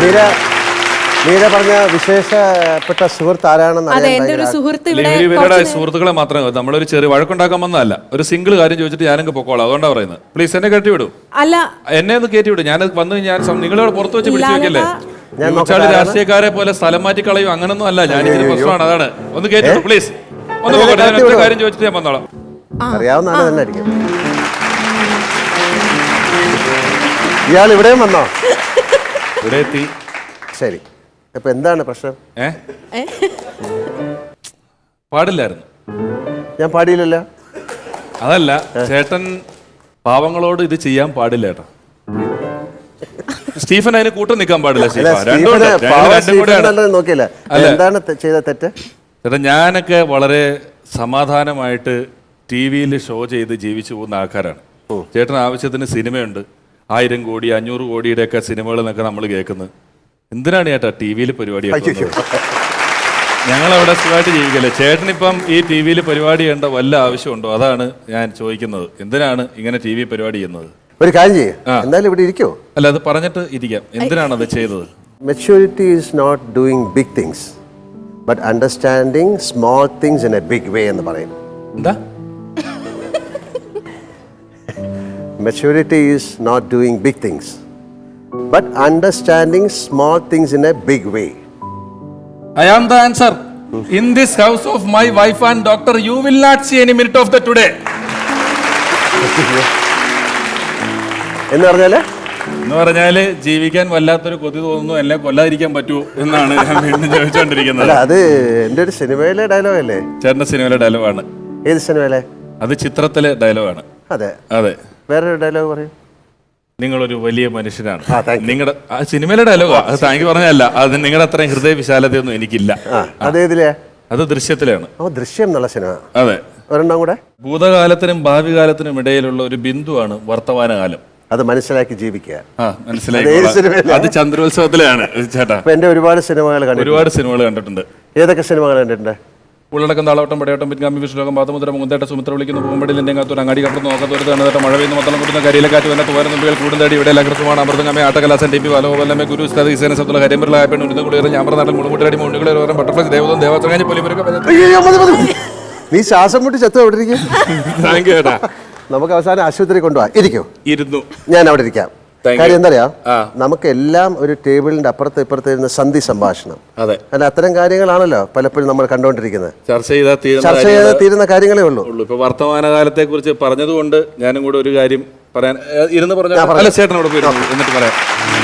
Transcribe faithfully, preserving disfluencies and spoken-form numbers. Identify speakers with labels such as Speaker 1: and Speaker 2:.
Speaker 1: മീര പറഞ്ഞ വിശേഷപ്പെട്ട സുഹൃത്ത് ആരാണെന്ന്
Speaker 2: ഇവരുടെ സുഹൃത്തുക്കളെ മാത്രമേ നമ്മളൊരു ചെറിയ വഴക്കുണ്ടാക്കാൻ വന്നതല്ല. ഒരു സിംഗിൾ കാര്യം ചോദിച്ചിട്ട് ഞാനങ്ങ് പൊക്കോളാം. അതുകൊണ്ടാണ് പറയുന്നത്. പ്ലീസ് എന്നെ കയറ്റി വിടും. അല്ല എന്നെ ഒന്ന് കയറ്റി വിടും. ഞാൻ വന്ന് ഞാൻ നിങ്ങളോട് പുറത്ത് വെച്ച് പിടിച്ചു വെക്കല്ലേ. രാഷ്ട്രീയക്കാരെ പോലെ സ്ഥലം മാറ്റി കളയും അങ്ങനൊന്നും അല്ല. ഞാൻ ഇതിന് പ്രശ്നമാണ്. അതാണ് ഒന്ന് കയറ്റി വിടും പ്ലീസ്. ഒന്ന് പോകട്ടെ. ഞാൻ ഒറ്റ കാര്യം ചോദിച്ചിട്ട് ഞാൻ വന്നോളാം.
Speaker 1: അറിയാവുന്ന ആള് തന്നെ ആയിരിക്കും. ഇയാൾ ഇവിടെയും വന്നോ?
Speaker 2: ഇവിടെ എത്തി.
Speaker 1: ശരി, അപ്പൊ എന്താണ് പ്രശ്നം?
Speaker 2: ഏ പാടില്ലായിരുന്നു.
Speaker 1: ഞാൻ പാടിയില്ലല്ലോ.
Speaker 2: അതല്ല ചേട്ടൻ പാവങ്ങളോട് ഇത് ചെയ്യാൻ പാടില്ല ചേട്ടാ. സ്റ്റീഫൻ അതിന് കൂട്ടം നിൽക്കാൻ പാടില്ല.
Speaker 1: നോക്കിയില്ല എന്താണ് ചെയ്ത തെറ്റ്?
Speaker 2: ചേട്ടാ ഞാനൊക്കെ വളരെ സമാധാനമായിട്ട് ടി വിയിൽ ഷോ ചെയ്ത് ജീവിച്ചു പോകുന്ന ആൾക്കാരാണ്. ചേട്ടൻ ആവശ്യത്തിന് സിനിമയുണ്ട്. ആയിരം കോടി അഞ്ഞൂറ് കോടിയുടെ ഒക്കെ സിനിമകൾ എന്നൊക്കെ നമ്മൾ കേൾക്കുന്നത്. എന്തിനാണ് ചേട്ടാ ടി വിയിൽ പരിപാടി? ഞങ്ങളവിടെ സുഖമായിട്ട് ജീവിക്കല്ലേ. ചേട്ടനിപ്പം ഈ ടി വിയിൽ പരിപാടി ചെയ്യേണ്ട വല്ല ആവശ്യമുണ്ടോ? അതാണ് ഞാൻ ചോദിക്കുന്നത്. എന്തിനാണ് ഇങ്ങനെ ടി വി പരിപാടി ചെയ്യുന്നത്?
Speaker 1: ഒരു കാര്യം ചെയ്യും, എന്തായാലും ഇവിടെ ഇരിക്കോ?
Speaker 2: അല്ല അത് പറഞ്ഞിട്ട് ഇരിക്കാം. എന്തിനാണ് അത് ചെയ്തത്?
Speaker 1: Maturity is not doing big things but understanding small things in a big way എന്ന് പറയും.
Speaker 2: എന്താ?
Speaker 1: Maturity is not doing big things, but understanding small things in a big way.
Speaker 2: I am the answer. In this house of my wife and doctor, you will not see any minute of the today.
Speaker 1: എന്ന് പറഞ്ഞാല്
Speaker 2: എന്ന് പറഞ്ഞാല് ജീവിക്കാൻ വല്ലാത്തൊരു കൊതി തോന്നുന്നു. എന്നെ കൊല്ലാതിരിക്കാൻ പറ്റുമോ എന്നാണ് ഞാൻ വീണ്ടും ചോദിച്ചുകൊണ്ടിരിക്കുന്നത്.
Speaker 1: അല്ല അത് എൻ്റെ ഒരു സിനിമയിലെ ഡയലോഗ് അല്ലേ?
Speaker 2: ചേട്ടന്റെ സിനിമയിലെ ഡയലോഗാണ്.
Speaker 1: ഏത് സിനിമയിലെ?
Speaker 2: അത് ചിത്രത്തിലെ ഡയലോഗാണ്.
Speaker 1: അതെ
Speaker 2: അതെ.
Speaker 1: വേറൊരു ഡയലോഗ് പറയും.
Speaker 2: നിങ്ങളൊരു വലിയ മനുഷ്യനാണ്. നിങ്ങളുടെ സിനിമയിലെ ഡയലോഗാ. അത് താങ്ക് പറഞ്ഞല്ല. അത് നിങ്ങളുടെ അത്രയും ഹൃദയ വിശാലതയൊന്നും എനിക്കില്ല.
Speaker 1: അതേതിലെ?
Speaker 2: അത് ദൃശ്യത്തിലാണ്.
Speaker 1: ഓ, ദൃശ്യം എന്നുള്ള സിനിമ.
Speaker 2: അതെ.
Speaker 1: ഒരെണ്ണം കൂടെ.
Speaker 2: ഭൂതകാലത്തിനും ഭാവി കാലത്തിനും ഇടയിലുള്ള ഒരു ബിന്ദുവാണ് വർത്തമാനകാലം.
Speaker 1: അത് മനസ്സിലാക്കി ജീവിക്കുക.
Speaker 2: മനസ്സിലായി. അത് ചന്ദ്രോത്സവത്തിലാണ് ചേട്ടാ.
Speaker 1: എന്റെ ഒരുപാട് സിനിമകൾ കണ്ടു.
Speaker 2: ഒരുപാട് സിനിമകൾ കണ്ടിട്ടുണ്ട്.
Speaker 1: ഏതൊക്കെ സിനിമകൾ കണ്ടിട്ടുണ്ട്?
Speaker 2: ഉള്ളടക്കം താളവട്ടം പടയോട്ടം പിൻഗാമി വിഷ്ണുലോകം പാതമുദ്ര മുന്തേട്ട സുമിത്ര വിളിക്കുന്ന പൂമ്പടിയിൽ എൻ്റെ കാത്തൊരു അങ്ങാടി കപ്പുറത്ത് നോക്കത്തൊരു തന്നേട്ട മഴ പെയ്യുന്ന മൊത്തം കൊടുക്കുന്ന കരിയിലെ കാറ്റ് വന്ന തോരൻ തുമ്പികൾ കൂടും തേടി ഇവിടെ ലഗ്രസമാണ് അമൃതങ്ങമേ ആട്ടകലാസൻ ടി പി വലോവല്ലമേ ഗുരു ഉസ്താദ് ഇസേന സബ്ദുള്ള കരിമ്പുള്ള ആയപ്പൻ ഉരുന്ന് കുടിയേറെ ഞാമ്രനാട്ടിൽ മുഴുമുട്ടടി മുണ്ടുകളെ ഓരോ ബട്ടർഫ്ലൈ ദേവതം ദേവാസങ്ങാഞ്ഞ് പൊലിമുരുക.
Speaker 1: നീ ശ്വാസം മുട്ടി ചത്തു അവിടെ ഇരിക്കും.
Speaker 2: താങ്ക് യു ചേട്ടാ.
Speaker 1: നമുക്ക് അവസാനം ആശുപത്രി കൊണ്ടുപോകാം. ഇരിക്കൂ.
Speaker 2: ഇരുന്നു.
Speaker 1: ഞാൻ അവിടെ ഇരിക്കാം. കാര്യം എന്തറിയാം, നമുക്ക് എല്ലാം ഒരു ടേബിളിന്റെ അപ്പുറത്ത് ഇപ്പുറത്ത് ഇരുന്ന സന്ധി സംഭാഷണം.
Speaker 2: അതെ.
Speaker 1: അല്ല അത്തരം കാര്യങ്ങളാണല്ലോ പലപ്പോഴും നമ്മൾ കണ്ടുകൊണ്ടിരിക്കുന്നത്.
Speaker 2: ചർച്ച ചെയ്താൽ
Speaker 1: ചർച്ച ചെയ്താൽ തീരുന്ന കാര്യങ്ങളേ ഉള്ളൂ.
Speaker 2: ഇപ്പൊ വർത്തമാനകാലത്തെ കുറിച്ച് പറഞ്ഞതുകൊണ്ട് ഞാനും കൂടെ ഒരു കാര്യം പറയാൻ ഇരുന്ന് പറഞ്ഞു. ചേട്ടനോട് പോയി എന്നിട്ട് പറയാം.